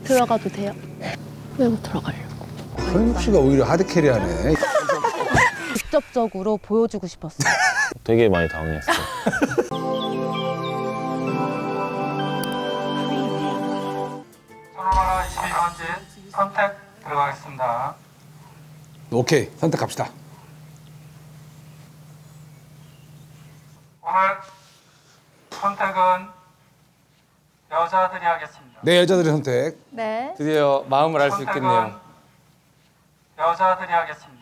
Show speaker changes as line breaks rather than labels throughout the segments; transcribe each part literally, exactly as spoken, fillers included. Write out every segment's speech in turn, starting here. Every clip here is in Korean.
들어가도 돼요? 왜 못 들어가려고?
현숙 씨가 오히려 하드캐리하네.
직접적으로 보여주고 싶었어요.
되게 많이 당황했어요.
코로나 이십이 번째 선택 들어가겠습니다.
오케이, 선택합시다.
오늘 선택은 여자들이 하겠습니다.
네, 여자들의 선택.
네.
드디어 마음을 알 수
선택은
있겠네요.
여자들이 하겠습니다.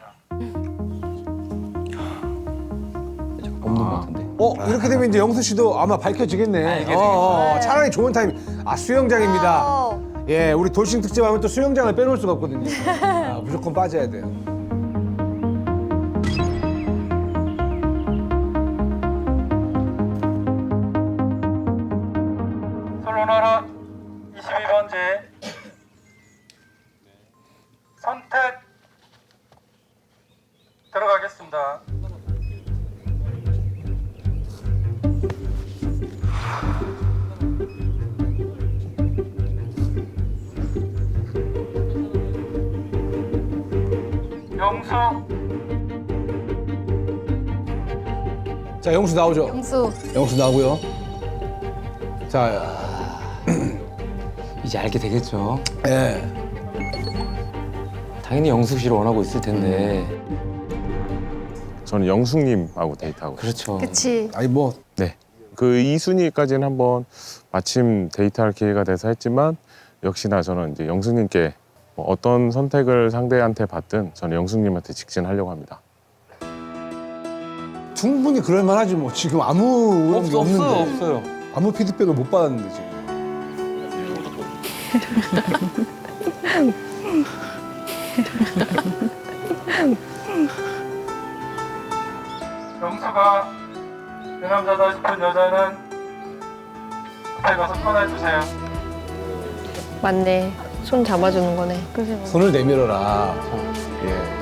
없는 것 같은데.
어, 이렇게 되면 이제 영수 씨도 아마 밝혀지겠네. 어, 어, 차라리 좋은 타임. 아, 수영장입니다. 예, 우리 돌싱 특집 하면 또 수영장을 빼놓을 수가 없거든요. 아, 무조건 빠져야 돼요.
솔로나라 이십이 번째 선택 들어가겠습니다. 영수
자, 영수 나오죠?
영수.
영수 나오고요. 자,
이제 알게 되겠죠.
예.
당연히 영숙 씨를 원하고 있을 텐데.
저는 영숙님하고 데이트하고.
그렇죠.
그치.
아니 뭐
네. 그 이 순위까지는 한번 마침 데이트할 기회가 돼서 했지만 역시나 저는 이제 영숙님께 뭐 어떤 선택을 상대한테 받든 저는 영숙님한테 직진하려고 합니다.
충분히 그럴 만하지 뭐. 지금 아무 그런 게
없어,
없는데.
없어요, 없어요.
아무 피드백을 못 받았는데 지금.
영수가 내 남자다 싶은 여자는 앞에 가서 꺼내주세요.
맞네. 손 잡아주는 거네. 그지?
손을 내밀어라. 예.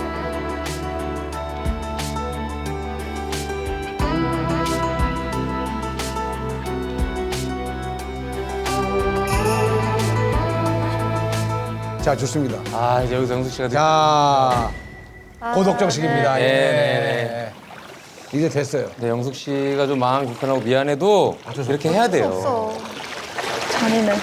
자, 좋습니다.
아, 이제 여기서 영숙 씨가.
자, 고독정식입니다.
네.
예.
네.
이제 됐어요.
근데 영숙 씨가 좀 마음이 불편하고 미안해도 이렇게 해야 돼요.
잔인해.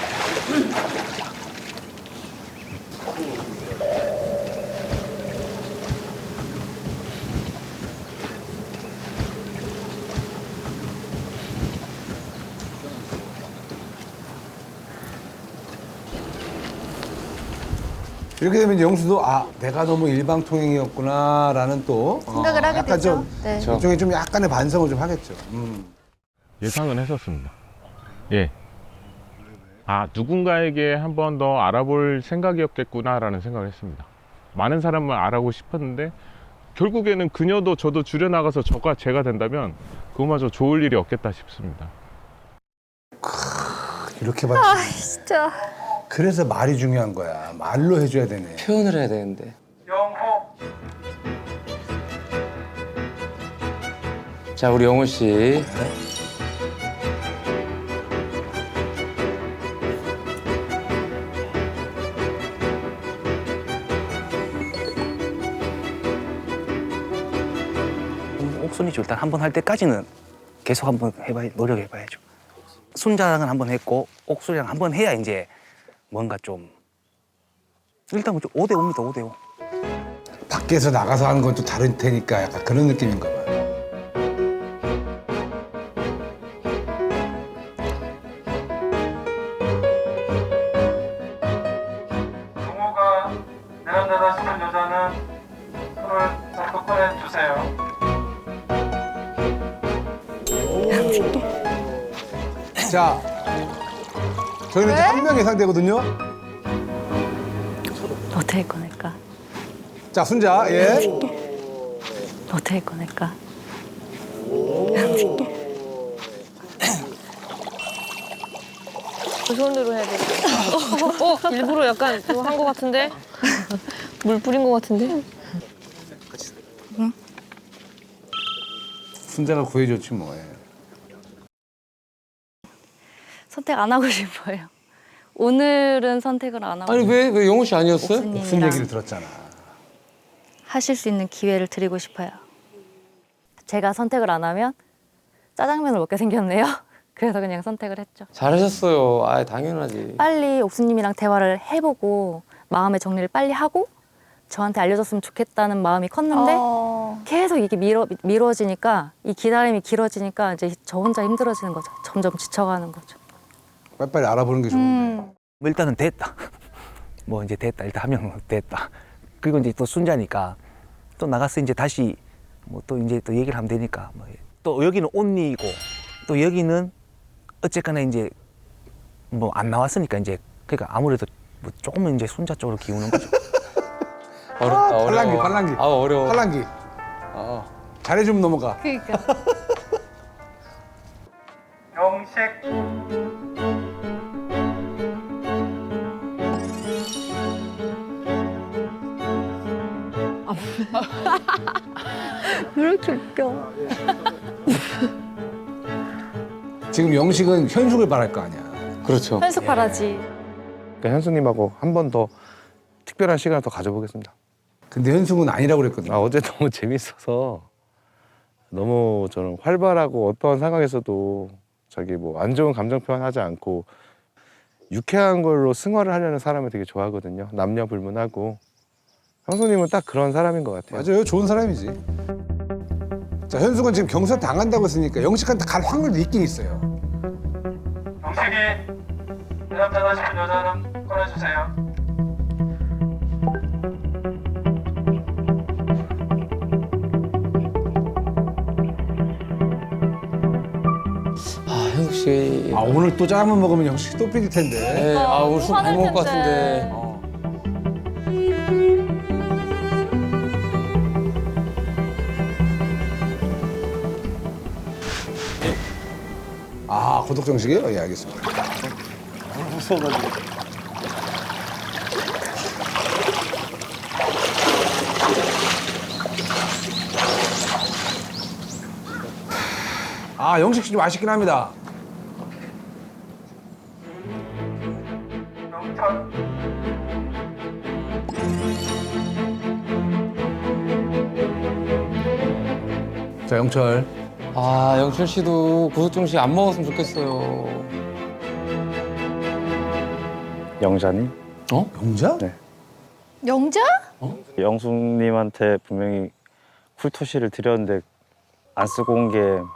이렇게 되면 이제 영수도 아, 내가 너무 일방통행이었구나라는 또
생각을
어,
하게
약간
되죠.
좀
네.
그렇죠.
일종의 좀 약간의 반성을 좀 하겠죠. 음.
예상은 했었습니다. 예. 아, 누군가에게 한 번 더 알아볼 생각이었겠구나라는 생각을 했습니다. 많은 사람을 알아보고 싶었는데 결국에는 그녀도 저도 줄여나가서 저가 제가 된다면 그거마저 좋을 일이 없겠다 싶습니다.
이렇게 봤
아, 진짜.
그래서 말이 중요한 거야. 말로 해줘야 되네.
표현을 해야 되는데.
영호
자, 우리 영호 씨.
옥순이죠. 일단 한 번 할 때까지는 계속 한번 해봐야 노력해봐야죠. 순자랑은 한 번 했고 옥순이랑 한 번 해야 이제 뭔가 좀 일단 뭐 오 대 오입니다. 오 대 오.
밖에서 나가서 하는 건 또 다른 테니까 약간 그런 느낌인가 봐.
영호가 내 남자다 싶은 여자는 손을 잡고 꺼내주세요.
자, 저희는 이제 한 명 예상되거든요.
어떻게 꺼낼까?
자, 순자, 예.
어떻게 꺼낼까?
그 손으로 해야 돼. 어, 어, 일부러 약간 그거 한 거 같은데? 물 뿌린 거 같은데?
순자가 구해줬지 뭐. 예.
선택 안 하고 싶어요. 오늘은 선택을 안 하고
아니 왜 왜 영호 씨 아니었어요?
무슨
옥수님이랑
얘기를 들었잖아.
하실 수 있는 기회를 드리고 싶어요. 제가 선택을 안 하면 짜장면을 먹게 생겼네요. 그래서 그냥 선택을 했죠.
잘하셨어요. 아 당연하지.
빨리 옥수님이랑 대화를 해보고 마음의 정리를 빨리 하고 저한테 알려줬으면 좋겠다는 마음이 컸는데
어.
계속 이게 미뤄, 미뤄지니까 이 기다림이 길어지니까 이제 저 혼자 힘들어지는 거죠. 점점 지쳐가는 거죠.
빨리빨리 알아보는 게 좋은데.
음.
뭐 일단은 됐다. 뭐 이제 됐다. 일단 한 명 됐다. 그리고 이제 또 순자니까 또 나가서 이제 다시 뭐 또 이제 또 얘기를 하면 되니까 뭐 또 여기는 온리고 또 여기는 어쨌거나 이제 뭐 안 나왔으니까 이제 그러니까 아무래도 뭐 조금은 이제 순자 쪽으로 기우는 거죠.
어렵다.
아,
어려워.
팔랑귀, 팔랑귀.
아 어려워.
팔랑귀. 어, 잘해주면 넘어가.
그러니까.
영식
왜 이렇게 웃겨?
지금 영식은 현숙을 바랄 거 아니야.
그렇죠.
현숙 바라지.
그러니까 현수님하고 한 번 더 특별한 시간을 더 가져보겠습니다.
근데 현숙은 아니라고 그랬거든.
아, 어제 너무 재밌어서 너무 저는 활발하고 어떠한 상황에서도 자기 뭐 안 좋은 감정 표현하지 않고 유쾌한 걸로 승화를 하려는 사람을 되게 좋아하거든요. 남녀 불문하고. 형수님은 딱 그런 사람인 것 같아요.
맞아요. 좋은 사람이지. 자, 현숙은 지금 경사 당한다고 했으니까 영식한테 갈 확률도 있긴 있어요.
영식이 내 남자다 싶은 여자는 꺼내주세요.
아 현숙 씨.
아, 오늘 또 짜장면 먹으면 영식이 또 삐질 텐데.
네, 아 오늘 술 많이 먹을 것
화낼 텐데.
같은데.
어. 아, 고독 정식이에요? 예, 알겠습니다. 아, 영식 씨 좀 아쉽긴 합니다.
영철
자, 영철.
아 영철 씨도 고소정 씨 안 먹었으면 좋겠어요.
영자님?
영자?
네.
영자?
영숙님한테 분명히 쿨토시를 드렸는데 안 쓰고 온 게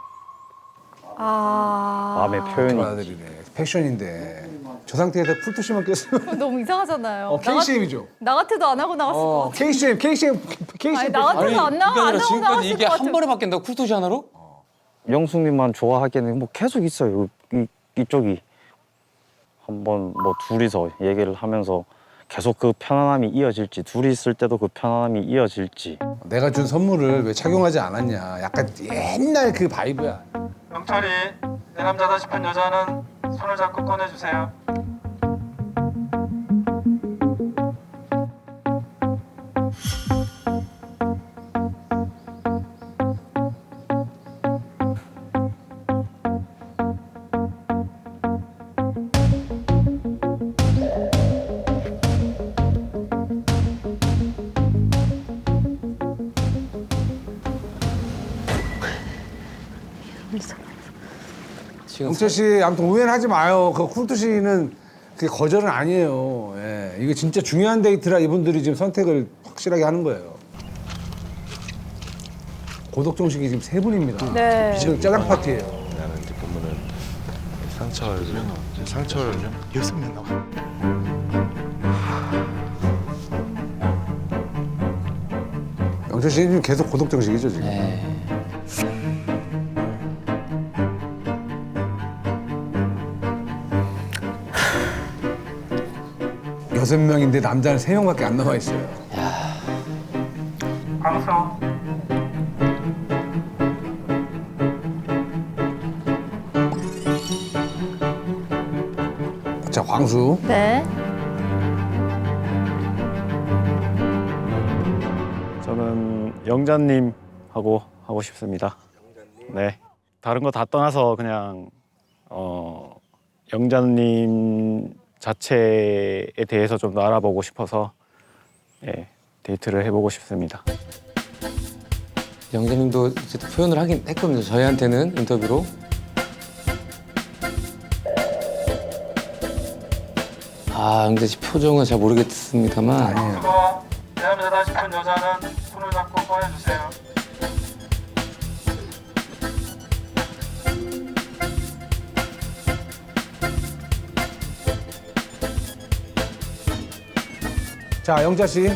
아.
마음의 표현이
아들이네. 패션인데. 저 상태에서 풀토시만 꼈으면
너무 이상하잖아요.
어, 케이씨엠이죠.
나, 나 같아도 안 하고 나갔을 것
어,
같아.
케이씨엠, 케이씨엠, 케이씨엠.
아니, 나 같아도 안 나가,
그게
안
아니라
하고
지금까지
나갔을
이게
것
한
같아.
번에 바뀐다고 쿨토시 하나로?
영숙님만 좋아하기에는 뭐 계속 있어요. 이, 이쪽이 한번 뭐 둘이서 얘기를 하면서 계속 그 편안함이 이어질지 둘이 있을 때도 그 편안함이 이어질지
내가 준 선물을 왜 착용하지 않았냐. 약간 옛날 그 바이브야.
영철이 내 남자다 싶은 여자는 손을 잡고 꺼내주세요.
지금
영철 씨, 아무튼 오해는 하지 마요. 그 쿨토시는 그게 거절은 아니에요. 예. 이게 진짜 중요한 데이트라 이분들이 지금 선택을 확실하게 하는 거예요. 고독 정식이 지금 세 분입니다.
네.
지금 짜장 파티예요.
나는 이제 보면은 상철, 상철 여섯 명 나와.
영철 씨는 지금 계속 고독 정식이죠 지금.
네.
여섯 명인데 남자는 세 명밖에 안 남아 있어요.
광수
자, 광수.
네.
저는 영자님 하고 하고 싶습니다. 네. 다른 거 다 떠나서 그냥 어 영자님 자체에 대해서 좀 더 알아보고 싶어서 예, 데이트를 해보고 싶습니다.
영재님도 이제 또 표현을 하긴 했거든요. 저희한테는 인터뷰로. 아, 영재 씨 표정은 잘 모르겠습니다만.
그리고 내 남자다 싶은 여자는 손을 잡고 꺼내주세요.
자, 영자 씨.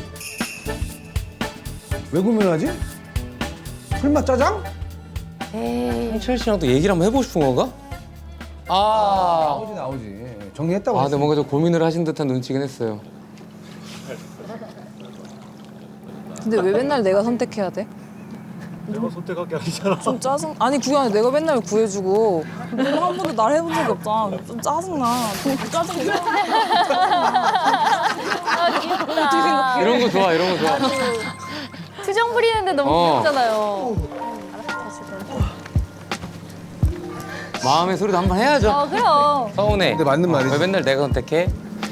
왜 고민하지? 설마 짜장?
홍철 씨랑 또 얘기를 한번 해보고 싶은 건가? 아,
나오지, 나오지. 정리했다고.
아,
했어.
네, 뭔가 좀 고민을 하신 듯한 눈치긴 했어요.
근데 왜 맨날 내가 선택해야 돼?
내가 선택할 게 아니잖아.
좀 짜증. 아니 그게 아니라 내가 맨날 구해주고 너가 한 번도 날 해본 적이 없잖아. 좀 짜증나. 좀 짜증나.
아, 귀엽다.
이런 거 좋아, 이런 거 좋아.
투정 부리는데 너무
어.
귀엽잖아요.
마음의 소리도 한번 해야죠.
어, 그럼.
서운해.
근데 맞는 말이지.
왜 맨날 내가 선택해?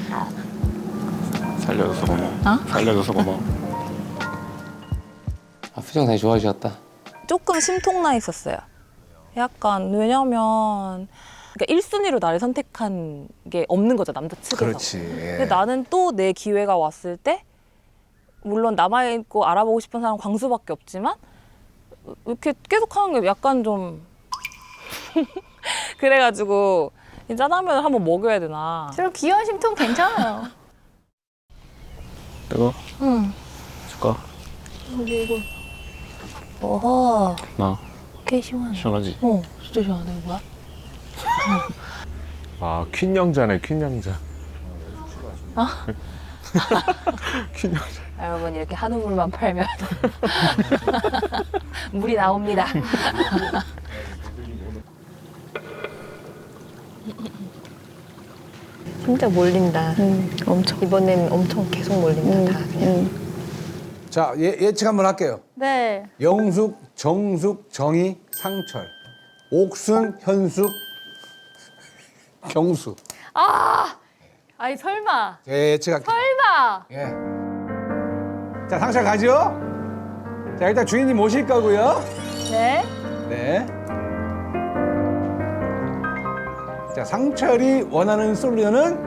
살려줘서 고마워. 살려줘서 고마워.
아, 표정 다시 좋아지셨다.
조금 심통나 있었어요. 약간 왜냐면 그러니까 일 순위로 나를 선택한 게 없는 거죠, 남자 측에서.
그렇지. 예.
근데 나는 또 내 기회가 왔을 때 물론 남아있고 알아보고 싶은 사람 광수밖에 없지만 이렇게 계속 하는 게 약간 좀 그래가지고 이 짜장면을 한번 먹여야 되나.
저런 귀여운 심통 괜찮아요.
이거
응.
줄까?
여기 이거. 어허.
나
꽤 시원해.
시원하지?
어, 진짜 시원하네, 뭐야?
아, 퀸 영자네, 퀸 영자.
아?
퀸 영자.
여러분, 이렇게 한우물만 팔면 물이 나옵니다. 진짜 몰린다. 음, 엄청. 이번엔 엄청 계속 몰린다, 음, 다 그냥.
자, 예, 예측 한번 할게요.
네.
영숙, 정숙, 정희, 상철. 옥순, 현숙, 경수.
아! 아니, 설마.
예, 예측할게요.
설마.
예. 자, 상철 가죠? 자, 일단 주인님 모실 거고요.
네.
네. 자, 상철이 원하는 솔루션은?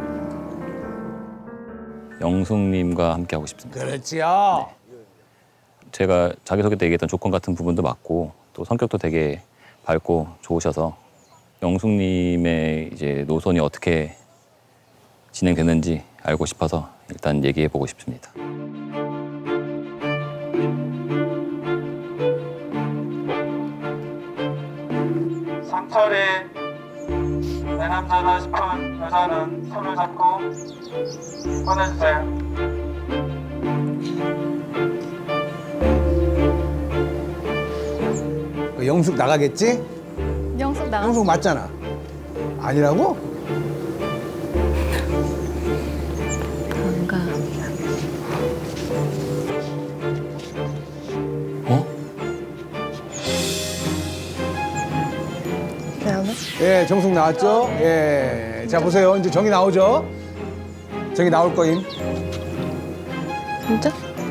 영숙님과 함께 하고 싶습니다.
그렇지요.
제가 자기소개 때 얘기했던 조건 같은 부분도 맞고 또 성격도 되게 밝고 좋으셔서 영숙님의 이제 노선이 어떻게 진행되는지 알고 싶어서 일단 얘기해 보고 싶습니다.
상철이 내 남자다 싶은 여자는 손을 잡고 꺼내주세요.
그 영숙 나가겠지?
영숙 나가.
영숙 맞잖아. 아니라고?
뭔가.
어?
예, 정숙 나왔죠? 예. 자, 보세요. 이제 정이 나오죠? 정이 나올 거임.
진짜?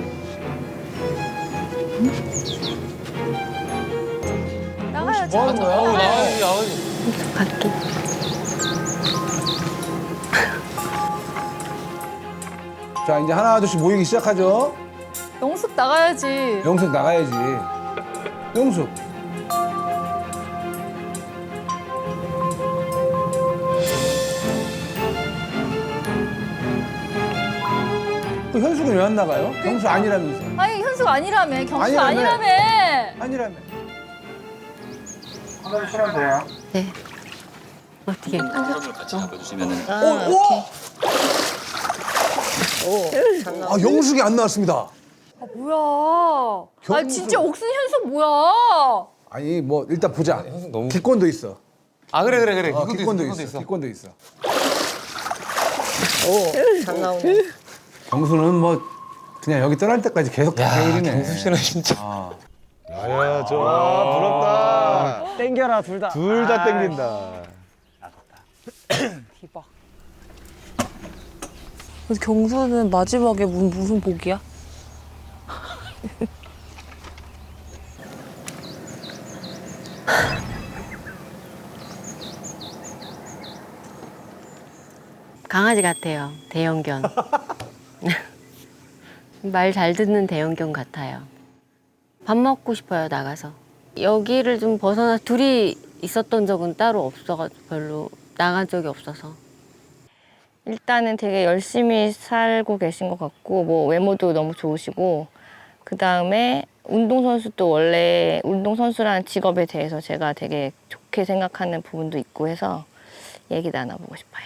나가야지.
뭐 하는 거야?
어우, 나와야지, 나와야지.
갈게.
자, 이제 하나, 둘씩 모이기 시작하죠?
영숙 나가야지.
영숙 나가야지. 영숙. 그 현숙은 왜 안 나가요? 경수 아니라면서.
아니, 현숙 아니라며. 경수
아니라며.
아니라며.
아니라며.
꺼내주시면 돼요.
네. 어떻게?
같이 잡아주시면은
아, 오케이.
아, 영숙이 안 나왔습니다.
아, 뭐야. 아,
경숙.
진짜 옥순 현숙 뭐야.
아니, 뭐, 일단 보자.
너무-
기권도 있어.
아, 그래, 그래, 그래.
어,
이것도
기권도
있어,
있어.
이것도
기권도 있어.
오, 잘 나오네.
경수는 뭐, 그냥 여기 떠날 때까지 계속
야,
다행이네.
경수 씨는 진짜.
아.
야야 저 아, 부럽다.
땡겨라 둘 다.
둘 다 땡긴다.
대박. 그래서 경수는 마지막에 무슨, 무슨 복이야?
강아지 같아요. 대형견. 말 잘 듣는 대형견 같아요. 밥 먹고 싶어요, 나가서. 여기를 좀 벗어나 둘이 있었던 적은 따로 없어가지고 별로 나간 적이 없어서.
일단은 되게 열심히 살고 계신 것 같고 뭐 외모도 너무 좋으시고 그 다음에 운동선수도 원래 운동선수라는 직업에 대해서 제가 되게 좋게 생각하는 부분도 있고 해서 얘기 나눠보고 싶어요.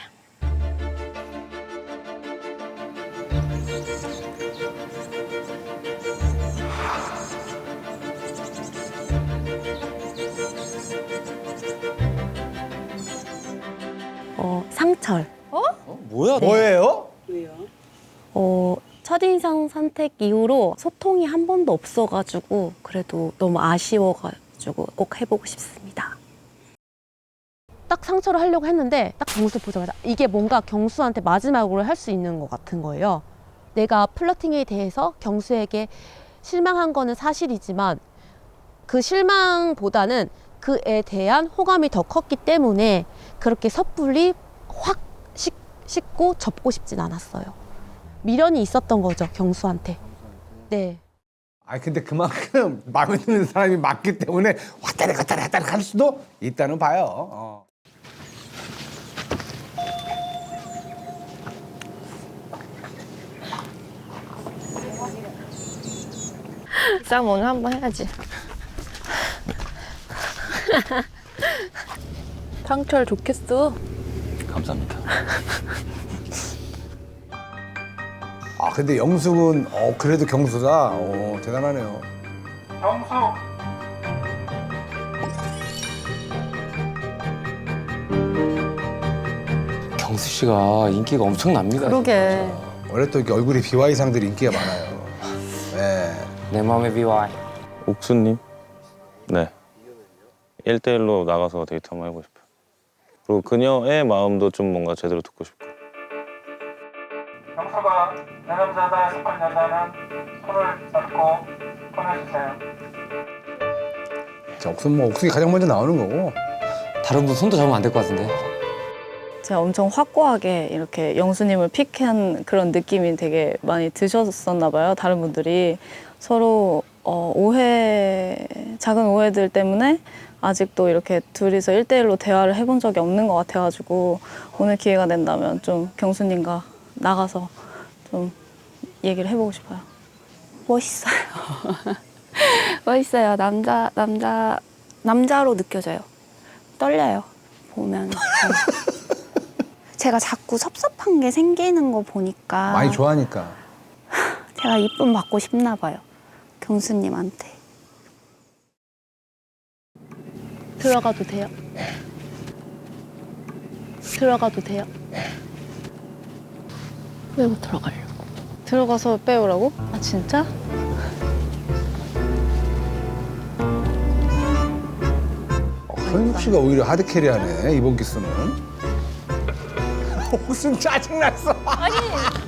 어, 상철.
어? 뭐야?
뭐예요?
어, 첫인상 선택 이후로 소통이 한 번도 없어가지고 그래도 너무 아쉬워가지고 꼭 해보고 싶습니다.
딱 상처를 하려고 했는데 딱 경수 보자마자 이게 뭔가 경수한테 마지막으로 할 수 있는 것 같은 거예요. 내가 플러팅에 대해서 경수에게 실망한 거는 사실이지만 그 실망보다는 그에 대한 호감이 더 컸기 때문에 그렇게 섣불리 확 식, 씻고 접고 싶진 않았어요. 미련이 있었던 거죠, 경수한테. 네.
아 근데 그만큼 마음에 드는 사람이 많기 때문에 왔다리 갔다리 갔다리 할 수도 있다는 봐요. 어.
싸움 오늘 한번 해야지.
상철 좋겠어.
감사합니다.
아 근데 영숙은 어 그래도 경수다. 어 대단하네요.
경수
경수 씨가 인기가 엄청납니다.
그러게.
원래 또 이렇게 얼굴이 비와이상들이 인기가 많아요. 네.
내 마음의 비와이.
옥수님? 네. 일 대일로 나가서 데이트 한번 해보고 싶어요. 그리고 그녀의 마음도 좀 뭔가 제대로 듣고 싶고.
경수가 내 남자다 싶은 여자는 손을 잡고 꺼내주세요.
자, 옥순 뭐 옥순이 가장 먼저 나오는 거고.
다른 분 손도 잡으면 안 될 것 같은데.
제가 엄청 확고하게 이렇게 영수님을 픽한 그런 느낌이 되게 많이 드셨었나 봐요. 다른 분들이 서로 어, 오해, 작은 오해들 때문에 아직도 이렇게 둘이서 일 대일로 대화를 해본 적이 없는 것 같아가지고 오늘 기회가 된다면 좀 경수님과 나가서 좀 얘기를 해보고 싶어요.
멋있어요. 멋있어요. 남자, 남자, 남자로 느껴져요. 떨려요. 보면. 제가 자꾸 섭섭한 게 생기는 거 보니까
많이 좋아하니까.
제가 이쁨 받고 싶나 봐요. 경수님한테. 들어가도 돼요? 들어가도 돼요? 왜 못 들어가려고?
들어가서 빼오라고?
아 진짜?
어, 현숙 씨가 오히려 하드캐리하네 이번 기수는. 옥순 짜증났어.
아니.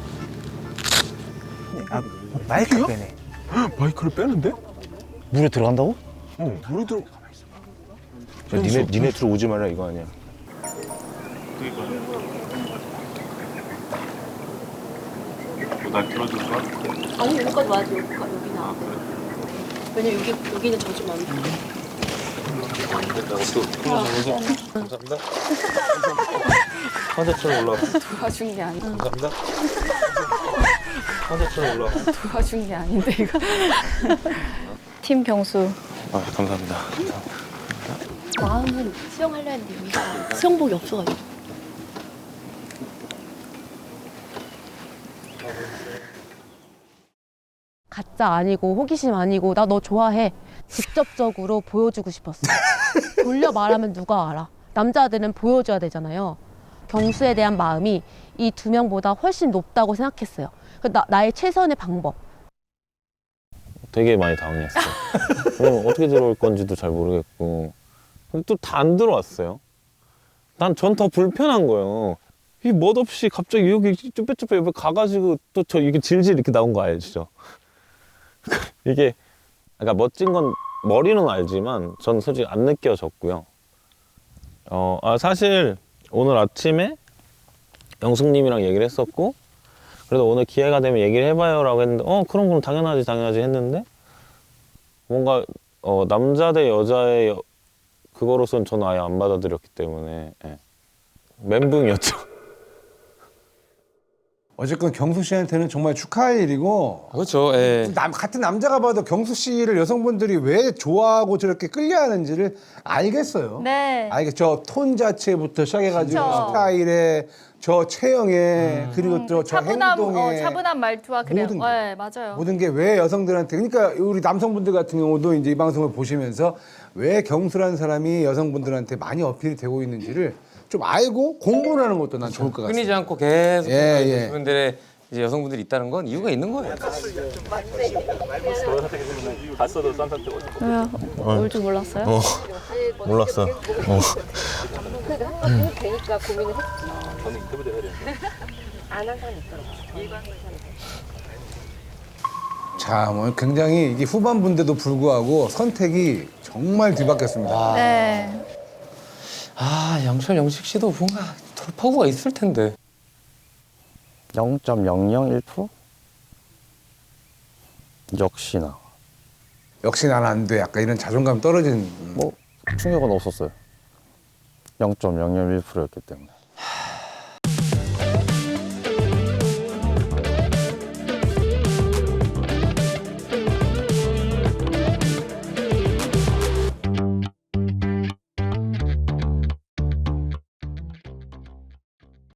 아, 마이크 빼네.
마이크를 빼는데?
물에 들어간다고?
어, 물에 들어. 야, 니네 니네 둘 오지 말라 이거 아니야.
날 들어줄 거야?
아니 여기까지 와야지. 여기, 여기 나와. 왜냐면 여기, 여기는 젖으면 안 돼.
감사합니다. 환자처럼 올라와.
도와준 게 아닌데.
감사합니다. 환자처럼 올라와.
도와준 게 아닌데 이거. 팀 경수.
아, 감사합니다.
마음은 수영하려 했는데 여기가 수영복이 없어가지고.
가짜 아니고 호기심 아니고 나 너 좋아해. 직접적으로 보여주고 싶었어. 돌려 말하면 누가 알아. 남자들은 보여줘야 되잖아요. 경수에 대한 마음이 이 두 명보다 훨씬 높다고 생각했어요. 나, 나의 최선의 방법.
되게 많이 당황했어. 어, 어떻게 들어올 건지도 잘 모르겠고. 또 다 안 들어왔어요. 난 전 더 불편한 거예요. 이 멋없이 갑자기 여기 쭈뼛쭈뼛 옆에 가가지고 또 저 이게 질질 이렇게 나온 거 알죠? 이게 그러니까 멋진 건 머리는 알지만 전 솔직히 안 느껴졌고요. 어, 아, 사실 오늘 아침에 영숙님이랑 얘기를 했었고 그래도 오늘 기회가 되면 얘기를 해봐요라고 했는데 어 그럼 그럼 당연하지 당연하지 했는데 뭔가 어, 남자 대 여자의 여, 그거로선 저는 아예 안 받아들였기 때문에 예. 멘붕이었죠.
어쨌건 경수 씨한테는 정말 축하할 일이고.
그렇죠. 예.
남, 같은 남자가 봐도 경수 씨를 여성분들이 왜 좋아하고 저렇게 끌려하는지를 알겠어요.
네.
알겠죠. 톤 자체부터 시작해가지고
그쵸.
스타일에 저 체형에 그리고 또 저
차분함,
행동에
어, 차분한 말투와 그래요.
모든 게.
네, 맞아요.
모든 게 왜 여성들한테 그러니까 우리 남성분들 같은 경우도 이제 이 방송을 보시면서 왜 경수라는 사람이 여성분들한테 많이 어필이 되고 있는지를 좀 알고 공부를 하는 것도 난 좋을 것 같아요.
끊이지 않고 계속
예, 예.
분들의 이제 여성분들이 있다는 건 이유가 있는 거예요.
봤어도 쌈쌈 뜨고.
왜요? 올 줄 몰랐어요?
어, 몰랐어. 어.
음. 되니까 고민을 했지.
저는 인터뷰도 해야 되는데.
안 한 사람이 있더라고요.
자, 뭐 굉장히 이게 후반부인데도 불구하고 선택이 정말 뒤바뀌었습니다.
네.
아, 영철 영식 씨도 뭔가 돌파구가 있을 텐데.
영 점 영영일 퍼센트? 역시나.
역시 나는 안 돼. 약간 이런 자존감 떨어지는.
뭐 충격은 없었어요. 영 점 영영일 퍼센트였기 때문에.